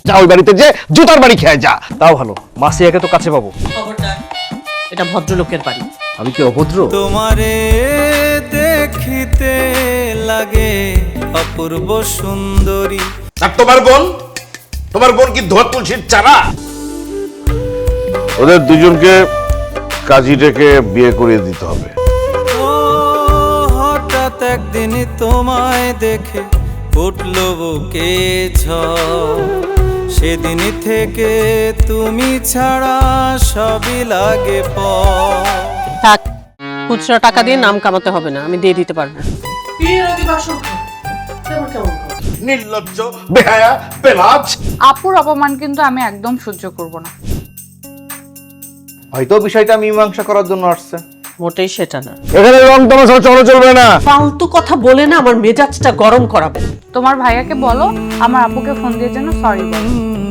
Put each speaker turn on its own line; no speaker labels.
যা ওই বাড়িতে যে জুতার বাড়ি খেয়ে যা।
তাও ভালো, মাসিয়াকে তো কাছে পাবো।
খবরদার, এটা ভদ্রলোকের বাড়ি।
আমি কি অভদ্র?
তোমারে দেখিতে লাগে অপূর্ব সুন্দরী।
আর তোমার বোন কি ধোয়া তুলসীর চারা? ওদের দুজনকে কাজী ডেকে বিয়ে করিয়ে দিতে হবে।
ও হঠাৎ একদিন তোমায় দেখে উঠল বুকে ঝড়। সেদিন থেকে তুমি ছাড়া সবই লাগে পর।
থাক, খুচরা টাকা দিয়ে নাম কামাতে হবে না, আমি দিয়ে দিতে পারবো।
নির্লজ্জ, বেহায়া, পেলাজ।
আপুর অপমান কিন্তু আমি একদম সহ্য করব না।
হয়তো বিষয়টা মীমাংসা করার জন্য আসছে।
মোটেই সেটা না।
এখানে রং তামাশা চলবে না।
ফালতু কথা বলে না আমার মেজাজটা গরম করাবে।
তোমার ভাইয়াকে বলো আমার আপুকে ফোন দিয়ে যেন সরি বলো।